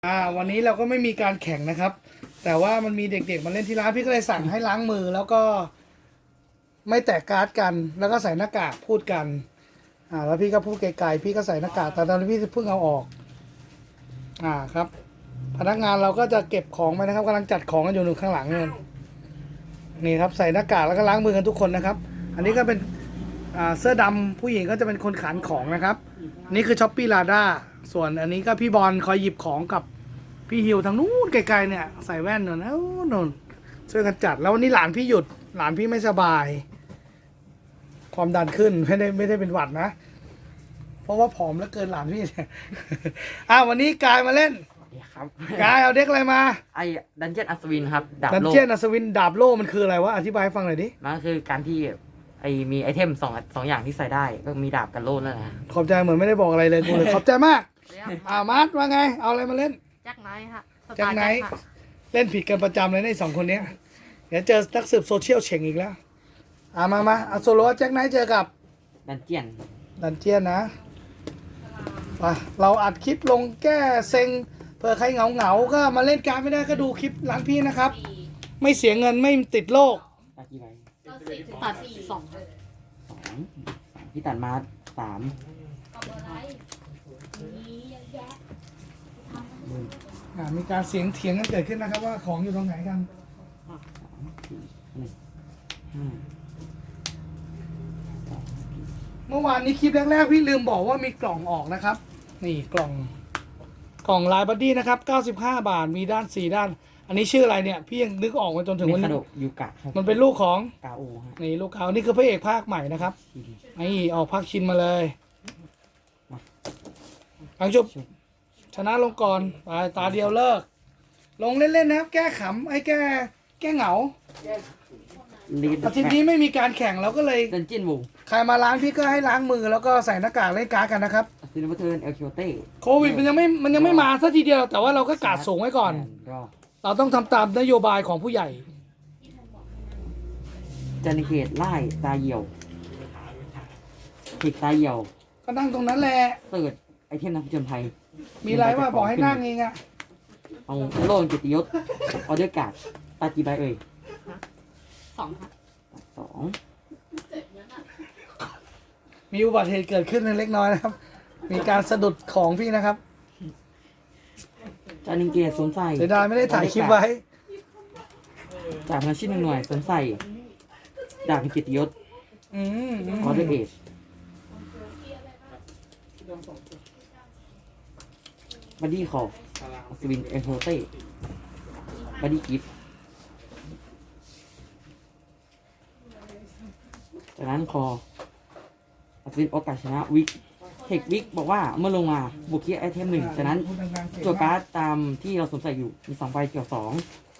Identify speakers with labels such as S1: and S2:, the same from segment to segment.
S1: วันนี้เราก็ไม่มีการแข่งนะครับ แต่ว่ามันมีเด็กๆมาเล่นที่ร้านพี่ก็เลยสั่งให้ล้างมือแล้วก็ไม่แตกการ์ดกัน แล้วก็ใส่หน้ากากพูดกันแล้วพี่ก็พูดไกลๆพี่ก็ใส่หน้ากากแต่ตอนนี้พี่เพิ่งเอาออกครับ พนักงานเราก็จะเก็บของไปนะครับกำลังจัดของกันอยู่หนึ่งข้างหลังนี่ครับใส่หน้ากากแล้วก็ล้างมือกันทุกคนนะครับ อันนี้ก็เป็นเสื้อดำผู้หญิงก็จะเป็นคนขายของนะครับนี่คือช้อปปี้ลาด้าส่วนอันนี้ก็พี่บอลคอยหยิบของกับพี่ฮิวทางนู้นไกลๆเนี่ยใส่แว่นนะนนช่วยกันจัดแล้ววันนี้หลานพี่หยุดหลานพี่ไม่สบาย ความดันขึ้นไม่ได้เป็นหวัดนะ เพราะว่าผอมแล้วเกินหลานพี่เนี่ยวันนี้กายมาเล่น
S2: ครับ
S1: กายเอาเด็กอะไรมา
S2: ไอ้ดันเจียนอัศวินครับดาบ
S1: ดัน
S2: โล่
S1: เจียนอัศวินดาบโล่มันคืออะไรวะอธิบายให้ฟังหน่อยดิ
S2: มันคือการที่มีไอเทมสองอย่างที่ใส่ได้ก็มีดาบกับโล่นั่นแหละ
S1: ขอบใจเหมือนไม่ได้บอกอะไรเลยกูเลยขอบใจมากมาร์ทว่าไงเอาอะไรมาเล่น
S3: แจ็คไนท์ค่ะ
S1: แจ็คไนท์เล่นผิดกันประจำเลยในสองคนนี้เดี๋ยวเจอนักสืบโซเชียลเฉ่งอีกแล้วมาเอาโซโล่แจ็คไนท์เจอกับ
S2: ดันเจีย
S1: นนะเราอัดคลิปลงแก้เซ็งเผื่อใครเหงาก็มาเล่นการไม่ได้ก็ดูคลิปร้านพี่นะครับ ไม่เสียเงินไม่ติดโลก
S2: ตัดกี่ใบ
S3: ตัดสอง
S2: พี่ตัดมา3
S1: มีการเสียงเถียงกันเกิดขึ้นนะครับว่าของอยู่ตรงไหนกันเมื่อวานนี้คลิปแรกๆพี่ลืมบอกว่ามีกล่องออกนะครับนี่กล่องลายบัดดี้นะครับ95 บาทมีด้าน4ด้านอันนี้ชื่ออะไรเนี่ยพี่ยังนึกออกมาจนถึงวันนี้
S2: ยูกะ
S1: มันเป็นลูกของ
S2: กาโอ
S1: นี่ลูกเขานี่คือพระเอกภาคใหม่นะครับนี่ออกภาคชินมาเลยอังจุบชนะลงก่อนไปตาเดียวเลิกลงเล่นๆนะครับแก้ขำแก้เหงาอาทิตย์นี้ไม่มีการแข่งเราก็เลย
S2: ดันเจียนวู
S1: ใครมาล้างพี่ก็ให้ล้างมือแล้วก็ใส่หน้ากากเล่นการ์ดกันนะครับ
S2: ซินเวอร์เทิร์นเอลคิวเต้
S1: โควิดมันยังไม่มาซะทีเดียวแต่ว่าเราก็กาดสูงไว้ก่อนเราต้องทำตามนโยบายของผู้ใหญ่
S2: จานิเกตไล่ตาเหี่ยวผิดตาเหี่ยว
S1: ก็นั่งตรงนั้นแหละ
S2: เสิร์ชไอเทมนักผจญภัย
S1: มีอะไรว่าบอกให้นั่งเองอะ
S2: เอาโล่กิตยศออเดอร์การ์ดตากี่ใบ
S3: 2ค่ะ
S2: 2
S1: มีอุบัติเหตุเกิดขึ้นเล็กน้อยนะครับมีการสะดุดของพี่นะครับ
S2: จานิเกตสวมใส่
S1: เสียดายไม่ได้ถ่ายคลิปไว้
S2: จากพนักชิ้นหน่วยสวมใส่ดาบกิตยศออเดอร์เอชบัดดี้คออัศวินเอโฮเต้บัดดี้กิฟจากนั้นคออัศวินโอกาสชนะวิกเทควิกบอกว่าเมื่อลงมาบุกเคียไอเทม1จากนั้นตัวการ์ดตามที่เราสวมใส่อยู่มี2ใบเกี่ยว2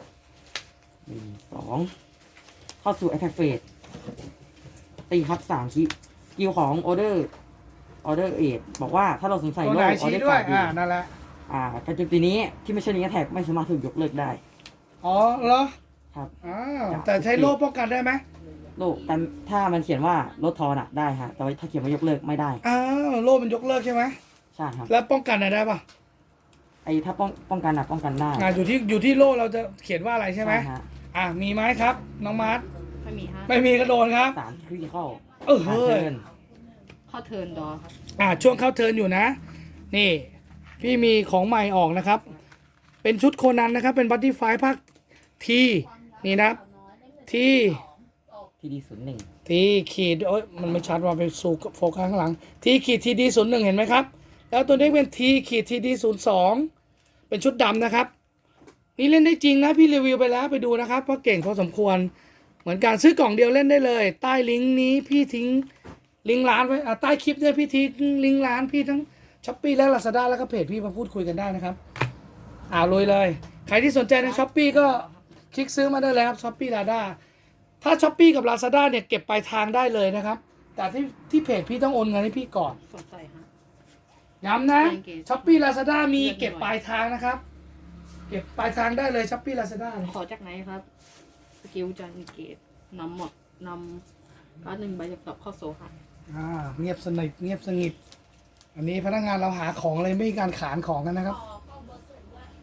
S2: เข้าสู่ Attack Phase ตีครับ3คิสกิลของออเดอร์เอทบอกว่าถ้าเราสวมใส่โล่ออเดอร์การ์ด
S1: นั่นแหละ
S2: การโจมตีนี้ที่ไม่ใช่นี้แท็กไม่สามารถถูกยกเลิกได้
S1: อ๋อเหรอ
S2: ครับ
S1: แต่ใช้โล่ป้องกันได้ไหม
S2: โล่แต่ถ้ามันเขียนว่าลดทอนได้ฮะแต่ว่าถ้าเขียนว่ายกเลิกไม่ได้
S1: โล่มันยกเลิกใช่ไหม
S2: ใช่ครับ
S1: แล้วป้องกันได้ปะ
S2: ถ้าป้องกันป้องกันได้
S1: อยู่ที่โล่เราจะเขียนว่าอะไรใช่ไหมมีไหมครับน้องมาร์ท
S3: ไม่มีฮะ
S1: ไม่มีกระโดดครับ
S2: 3คริติคอล
S1: เฮ้ย
S3: เข้าเทิร์นดอครับ
S1: ช่วงเข้าเทิร์นอยู่นะนี่พี่มีของใหม่ออกนะครับเป็นชุดโคนันนะครับเป็นบัตตี้ไฟภาคทีนี่นะที
S2: D01
S1: ทีขีดมันไม่ชัดว่าไปสู่โฟกัสข้างหลังทีขีดTD01เห็นไหมครับแล้วตัวนี้เป็นทีขีดTD02เป็นชุดดำนะครับนี่เล่นได้จริงนะพี่รีวิวไปแล้วไปดูนะครับเพราะเก่งพอสมควรเหมือนการซื้อกล่องเดียวเล่นได้เลยใต้ลิงก์นี้พี่ทิ้งลิงก์ร้านไว้ใต้คลิปเนี่ยพี่ทิ้งลิงก์ร้านพี่ทั้งช้อปปี้และ Lazada แล้วก็เพจพี่มาพูดคุยกันได้นะครับลุยเลยใครที่สนใจในช้อปปี้ก็คลิกซื้อมาได้เลยครับช้อปปี้ Lazada ถ้าช้อปปี้กับ Lazada เนี่ยเก็บปลายทางได้เลยนะครับแต่ที่เพจพี่ต้องโอนเงินให้พี่ก่อน
S3: สนใจฮะ
S1: ย้ำนะช้อปปี้ Lazada มีเก็บปลายทางนะครับเก็บปลายทางได้เลยช้อปปี้ Lazada
S3: ขอจากไหนครับสกิลจานเกตนำการ์ด1ใบจากตอบเข้าโซฮะ
S1: เงียบสนิทอันนี้พนักงานเราหาของเลยไม่มีการขานของกันนะครับ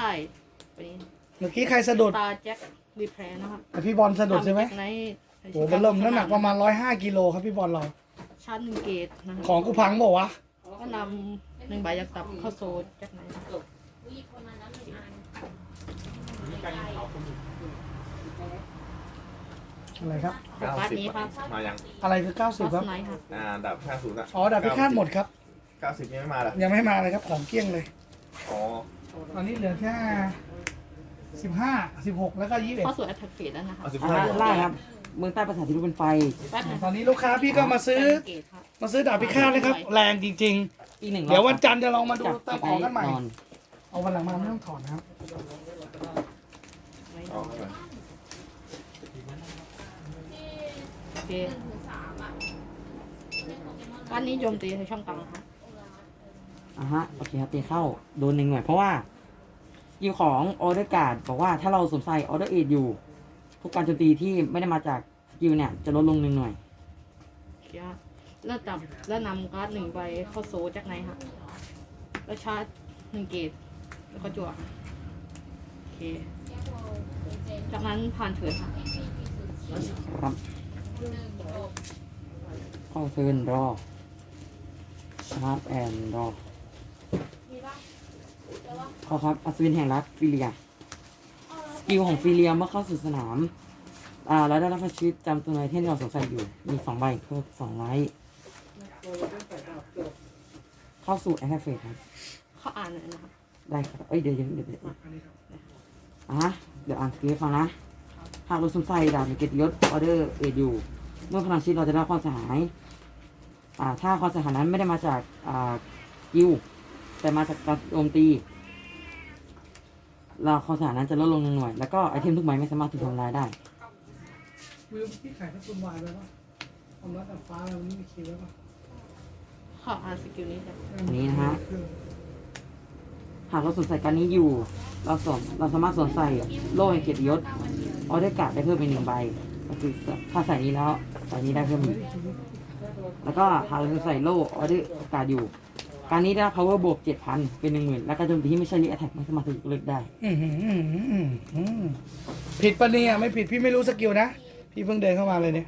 S3: วันนี้
S1: เมื่อกี้ใครสะดุด
S3: ตาแจ็ครีเพลย์นะครับ
S1: แต่พี่บอลสะดุดใช่ไหม
S3: ทำจากใน
S1: โอ้โหมันเริ่มน้ำหนักประมาณ105กิโลครับพี่บอลเรา
S3: ชาร์จ1 เกตนะครับ
S1: ของกูพังบอกวะ
S3: ก็นำ1 ใบจากตับเข้าโซนจากไหนครับ
S1: อะไรครับ
S3: การ์ดนี้ครับ
S4: มายัง
S1: อะไรคือ
S3: ลอ
S1: 90 ครับ
S3: สไนท์ครับ
S4: ดับ50อ่ะ
S1: อ๋อดาบพิฆาตหมดครับ
S4: 90ยังไม่มาเหรอ
S1: ยังไม่มาเลยครับของเกลี้ยงเลย
S4: อ๋อ
S1: ตอนนี้เหลือแค่15 16 แล้วก็
S3: เข้าสู่แอตแทกเกตแล้วนะคะ
S4: เอา
S2: อ่า
S4: 15
S2: ล่างครับ เมืองใต้ภาษาที่รู้เป็นไฟ
S3: แป๊บนึง
S1: 21ตอนนี้ลูกค้าพี่ก็มาซื้อ
S3: เกตครับ
S1: ดาบพิฆาตเลยครับ แรงจริง
S2: อีกหนึ่ง
S1: ๆ เดี๋ยววันจันทร์จะลองมาดู
S2: จับ
S1: เติมของกันใหม่
S2: นอน
S1: เอาวันหลังมาไม่ต้องถอดนะครับ
S4: เอาเข้าไป
S3: โอเคการนี้โจมตีในช่องกลางครับ
S2: อ่ะฮะโอเคครับตีเข้าโดน1 หน่วยเพราะว่าสกิลของออเดอร์การ์ดบอกว่าถ้าเราสวมใส่ออเดอร์เออยู่ ทุกการโจมตีที่ไม่ได้มาจากสกิลเนี่ยจะลดลง1 หน่วย
S3: โอเคฮะแล้วนำการ์ด1 ใบเข้าโซนจากไหนฮะแล้วชาร์จ1 เกตแล้วก็จั่วโอเคจากนั้นผ่านเถิดค่ะ
S2: ครับเข้าเทิร์นรอชาร์ปแอนด์รอเข้าครับอัศวินแห่งรัฐฟิเลียสกิลของฟิเลียเมื่อเข้าสู่สนามแล้วได้รับชีวิตจำตัวในเทนที่เราสงสัยอยู่มี2 ใบเพิ่ม2 ไลท์เข้าสู่แอคเฟสครับ
S3: เขาอ่านหน่อยนะครับ
S2: ได้ครับเอ้ยเดี๋ยวเดี๋ยวอ่านสคริปต์ให้ฟังนะหากเราสวมใส่ดาบมีเกียรติยศออเดอร์เออยู่เมื่อพลังชีวิตเราจะได้ความเสียหายถ้าความเสียหายนั้นไม่ได้มาจากกิลแต่มาจากการโจมตีเราความเสียหายนั้นจะลดลง1 หน่วยแล้วก็ไอเทมทุกใบไม่สามารถถูกทำลายได้
S1: วิวพี่ขายถ้าคุณวายไปป่ะความรักกับฟ้าเรานี่มีคิวไว้ป่ะ
S3: เขาอ่านสกิลนี้จ้ะ
S2: อันนี้นะฮะ หากเราสวมใส่การนี้อยู่ เราสามารถสวมใส่โล่แห่งเกียรติยศออเดอร์การ์ดได้เพิ่มเป็น1 ใบก็คือถ้าใส่นี้แล้วใส่นี้ได้เพิ่มอีกแล้วก็หากเราสวมใส่โล่ออเดอร์การ์ดอยู่ การนี้ได้ power บวก 7,000 เป็น 10,000 และการโจมตีที่ไม่ใช่ reattack ไม่สามารถถูกเลิกได้
S1: ผิดปะเนี่ยไม่ผิดพี่ไม่รู้สกิลนะ พี่เพิ่งเดินเข้ามาเลยเนี่ย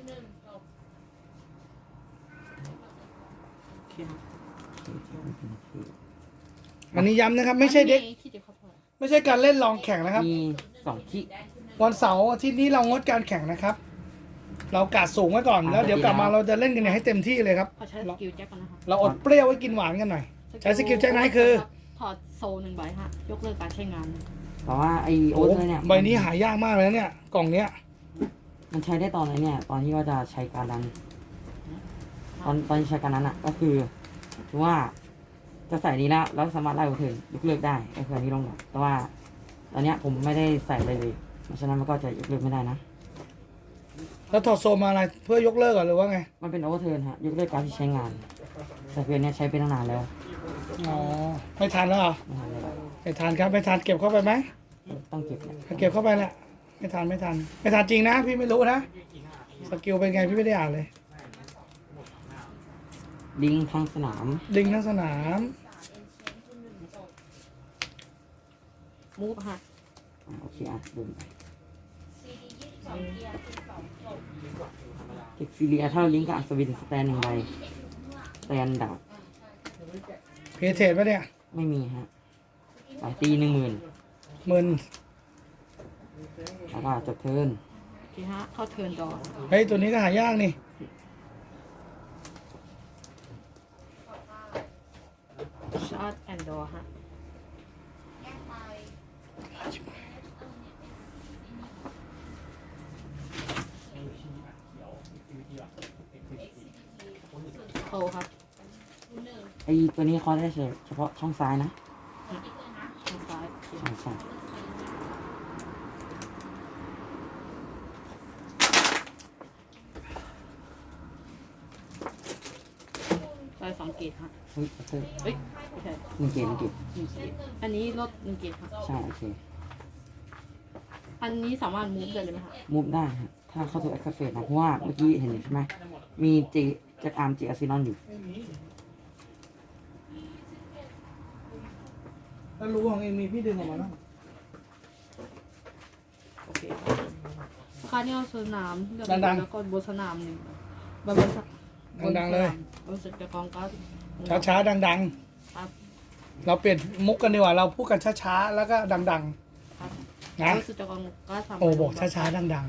S1: อันนี้ย้ำนะครับ ไม่ใช่เด็ก
S3: ที่จะเข้าไป
S1: ไม่ใช่การเล่นลองแข่งนะครับ
S2: มี2 ที่
S1: วันเสาร์อาทิตย์นี้เรางดการแข่งนะครับ เรากาดสูงไว้ก่อนแล้วเดี๋ยวกลับมาเราจะเล่นกันอย่างให้เต็มที่เลยครับ
S3: เขาใช้สกิลแจ็คกันนะครับ
S1: เราอดเปรี้ยวไว้กินหวานกันหน่อย ใช้สกิลแจ็คไนท์คือ
S3: ถอดโซล1 ใบฮะ ยกเลิกการใช้งาน
S2: แต่ว่าไอโอ
S1: โอ้
S2: เวอร์เนี่ย
S1: ใบนี้หายากมากเลยนะเนี่ย กล่องเนี้ย
S2: มันใช้ได้ตอนไหนเนี่ย ตอนที่ว่าจะใช้การนั้น ตอนที่ใช้การนั้นอ่ะ ก็คือถือว่าจะใส่นี้แล้วสามารถไล่โอเทิร์นยกเลิกได้ไอ้คืออันนี้ลงก่อนแต่ว่าตอนเนี้ยผมไม่ได้ใส่อะไรเลยเพราะฉะนั้นมันก็จะยกเลิกไม่ได้นะ
S1: แล้วถอดโซมาอะไรเพื่อยกเลิกก่อนหรือว่าไง
S2: มันเป็นโอเวอร์เทิร์นฮะยกเลิกการที่ใช้งานแต่เพื่อนเนี้ยใช้ไปตั้งนานแล้ว
S1: อ๋อ ไม่ทันแล้วเหรอ
S2: ไม่ทันแล้ว
S1: ไม่ทันครับ ไม่ทันเก็บเข้าไปไหม
S2: ต้องเก็บเนี่ย
S1: เก็บเข้าไปแหละ ไม่ทันไม่ทัน ไม่ทันจริงนะ พี่ไม่รู้นะ สกิลเป็นไงพี่ไม่ได้อ่านเลย
S2: ลิงทางสนาม
S1: ลิงทั้งสนาม
S3: มูฟฮะ
S2: โอเคอ่ะดูไปเก็บซีเรียถ้าเราลิงก์กับอัศวินสแตน1 ใบสแตนดาบ
S1: เพเทสปะเนี่ย
S2: ไม่มีฮะไปตี10,000
S1: หมื่น
S2: แล้วก็จบเทิร์น
S3: โอเคฮะ เข้าเทิร์นดอ
S1: เฮ้ยตัวนี้ก็หายากนี่
S3: ชาร์จแอนด์ดอฮะ โคครับ
S2: ไอตัวนี้เขาได้เฉพาะช่องซ้ายนะ
S3: ทางซ้าย
S2: ใช่ใช่
S3: ซ้าย2 เกตฮะ
S2: เฮ้ยเฮ้ย
S3: เอ้ย ไม่ใช่
S2: 1 เกต1 เกต
S3: 1 เกตอันนี้ลด1 เกตฮะ
S2: ใช่โอเค
S3: อันนี้สามารถมูฟได้เลยไหมฮะ
S2: มูฟได้ฮะถ้าเข้าสู่แอคเฟสนะเพราะว่าเมื่อกี้เห็นอยู่ใช่ไหมมีจีจากอาร์มจีอาร์ซินอนอยู่
S1: ถ้ารู้ของเองมีพี่ดึงออกมาแล้ว
S3: โอเคครับคาร์ดิโอสนามเลือก
S1: ดังๆ
S3: แล้วก็บนสนามหนึ่งบนสนาม
S1: ดังๆเลย
S3: รู้สึกจะกองการ์ด
S1: ช้าๆดัง
S3: ครับ
S1: ๆ เราเปลี่ยนมุกกันดีกว่าเราพูดกันช้าๆแล้วก็ดัง
S3: ครับ
S1: ๆนะ
S3: รู้สึกจะกองการ์ด3
S1: โอ้
S3: ใบ
S1: บอกช้าๆดัง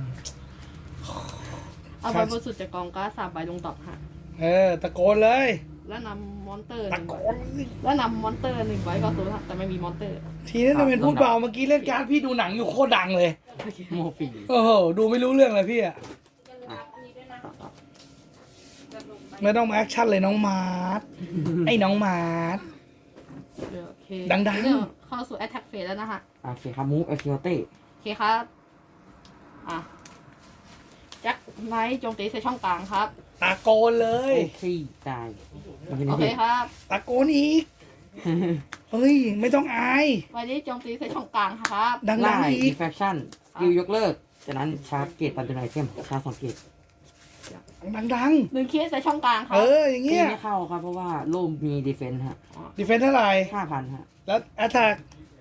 S3: เอาใบบนสุดจะกองการ์ด3 ใบลงดอกฮะ
S1: ๆตะโกนเลย
S3: แล้วนำมอนเตอร์ห
S1: ตะ
S3: นึ่ง
S1: โก
S3: ใบ
S1: นเลย
S3: แล้วนำมอนเตอร์1 ใบก็โซนฮะแต่ไม่มีมอนเตอร์
S1: ทีนั้นทำเป็นพูดเบาเมื่อกี้เล่นการ์ดพี่ดูหนังอยู่โคตรดังเลย
S2: โมฟี
S1: โอ้โหดูไม่รู้เรื่องเลยพี่อะไม่ต้องมาแอคชั่นเลยน้องมาร์ทไอ้น้องมาร์ท
S3: โอเค
S1: ดังๆ
S3: เดี๋ยวเข้าสู่ attack phase แล้วนะฮะ
S2: โอเคครับมูฟเอคิโอเต้
S3: โอเคครับอ่ะแจ็คไนท์โจมตีใส่ช่องกลางครับ
S1: ตะโกนเลย
S2: โอเคตายมันเป็น
S3: โอเค
S2: เด็ก
S3: ครับ
S1: ตะโกนอีกเฮ้ยไม่ต้องอาย
S3: วันนี้โจมตีใส่ช่องกลางครับ
S1: ดั
S2: ไล่
S1: งๆอี
S2: ดี
S1: ก
S2: แฟคชั่นสกิลยกเลิกจากนั้นชาร์จเกตตันเป็นไอเทมชาร์จ2 เกต
S1: ดัง
S3: 1 เคสใส่ช่องกลางค
S1: ๆ
S3: รับ
S1: อย่าง
S2: ตี
S1: เงี้ย
S2: ไม่เข้าครับเพราะว่าโล่มีดีเฟนส์ฮะ
S1: ดีเฟนส์เท่าไหร่
S2: 5,000ฮะ
S1: แล้วแอตแทก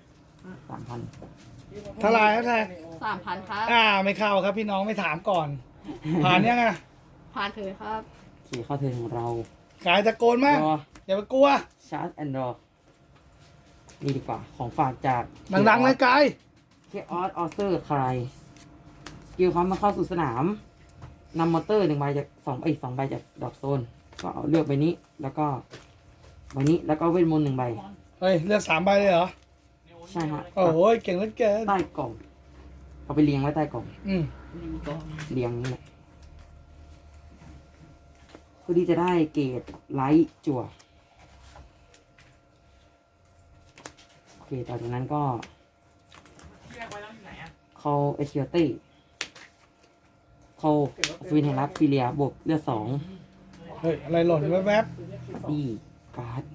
S2: 3,000
S1: เท่าไหร่แอตแทก
S3: 3,000 ครับ
S1: ไม่เข้าครับพี่น้องไม่ถามก่อน ผ่านยังอ่ะ
S3: ผ่านเถอะครับ
S2: โอเคเข้าเทิร์นของเรา
S1: กายตะโกนมาก
S2: รอ
S1: อย่าไปกลัว
S2: ชาร์จแอนด์รอนี่ดีกว่าของฝากจาก
S1: ดังๆเลยกาย
S2: เคออสออเซอร์ใครสกิลเขามาเข้าสู่สนามนำมอเตอร์1 ใบจาก2 ใบจากดรอปโซนก็เอาเลือกใบนี้แล้วก็ใบนี้แล้วก็เวทมนต์1 ใบ
S1: เฮ้ยเลือก3 ใบเลยเหรอ
S2: ใช่ฮะ
S1: โอ้โหเก่งเหลือเกิน
S2: ใต้กล่องเอาไปเรียงไว้ใต้กล่อง
S1: อืม
S2: เรียงนี่แหละเพื่อที่จะได้เกรดไลท์จั่วโอเคต่อจากนั้นก็เขาเอเชียตี้เขาสวินแห่งรักฟิเลียบวกเลือด2
S1: เฮ้ยอะไรหล่นแวบ
S2: ดีการ์ด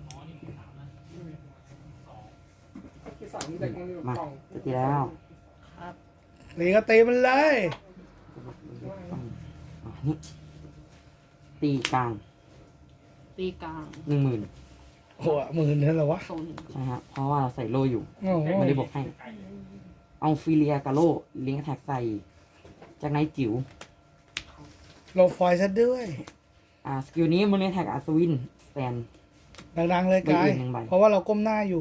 S2: มาจะตีแล้ว
S3: ครับ
S1: ๆนี่ก็ตีมันเลย
S2: นี่ตีกลาง
S3: ตีกลาง
S2: 10,000
S1: โอ้โหหมื่นเลยเหรอวะ
S3: โซน
S2: ใช่ฮะเพราะว่าเราใส่โลอยู่
S1: โอ้โห
S2: ไม่ได้บอกให้ เอาฟิเลียกับโลเลี้ยงแท็กใส่จากไนท์จิ๋ว
S1: โลฟอยล์ซะด้วย
S2: สกิลนี้มันเลี้ยงแท็กอัศวินสแตน
S1: ดังๆเลยกาย
S2: ใบอื่นหนึ่งใบ
S1: เพราะว่าเราก้มหน้าอยู่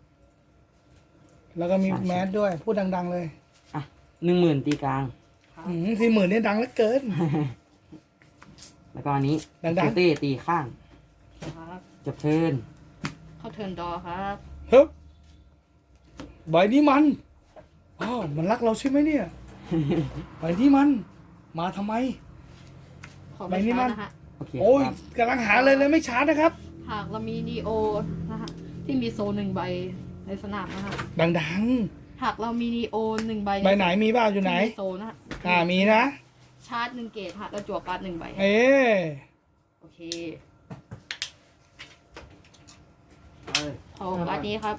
S1: แล้วก็มี
S2: ใช่
S1: แมสด้วย พูดดังๆเลย
S2: อ่ะ10,000 ตีกลาง
S1: 40,000นี่ดังเหลือเกิน
S2: แล้วก็อันนี้
S1: ดังๆ
S2: เซเต้ตีข้าง
S3: ครับ
S2: จบเทิร์น
S3: เข้าเทิร์นดอครับ
S1: เฮ้ยใบนี้มันอ๋อมันรักเราใช่ไหมเนี่ย ใบนี้มัน มาทำไม
S3: ขอ
S1: ใบ
S3: ไม่
S1: นี้
S3: ช้า
S1: มัน
S3: นะฮะ
S2: โอเค
S1: โอ้ย
S2: ครับ
S1: กำลังหาเลยไม่ช้านะครับ
S3: หากเรามีนีโอนะฮะที่มีโซน1 ใบในสนามนะฮะ
S1: ดัง
S3: หากเรามีนีโอ1 ใบ
S1: ๆ ใบไหนมีบ้างอยู่ไหน
S3: ที่มีโซนนะฮะ
S1: มีนะ
S3: ชาร์จ1 เกตฮะแล้วจั่วการ์ด1 ใบ
S1: เอ๊ะ
S3: โอเคพอการ์ดนี้ครับ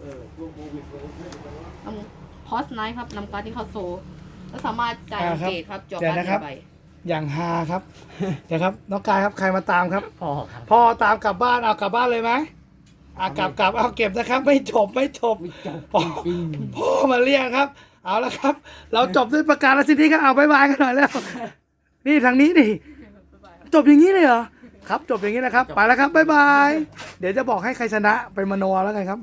S3: นำพอสไนท์ครับนำการ์ดที่เข้าโซลแล้วสามารถจ่าย1 เกตครับจั่วการ์ด1 ใบ
S1: อย่างฮาครับ เดี๋ยวครับน้องกายครับใครมาตามครับ
S2: พอครับ
S1: พ่อตามกลับบ้านเอากลับบ้านเลยไหมกลับเอาเก็บนะครับ ไม่จบ
S2: ไม่จบ
S1: พ่อ
S2: จริง
S1: พ่อมาเรียกครับ เอาละครับ เราจบด้วยประกาศสิทธิครับเอาบายบายกันหน่อยแล้ว นี่ทางนี้ดิจบอย่างนี้เลยเหรอครับ จบอย่างนี้นะครับ ไปแล้วครับบายบาย เดี๋ยวจะบอกให้ใครชนะไปมโนเอาแล้วกันครับ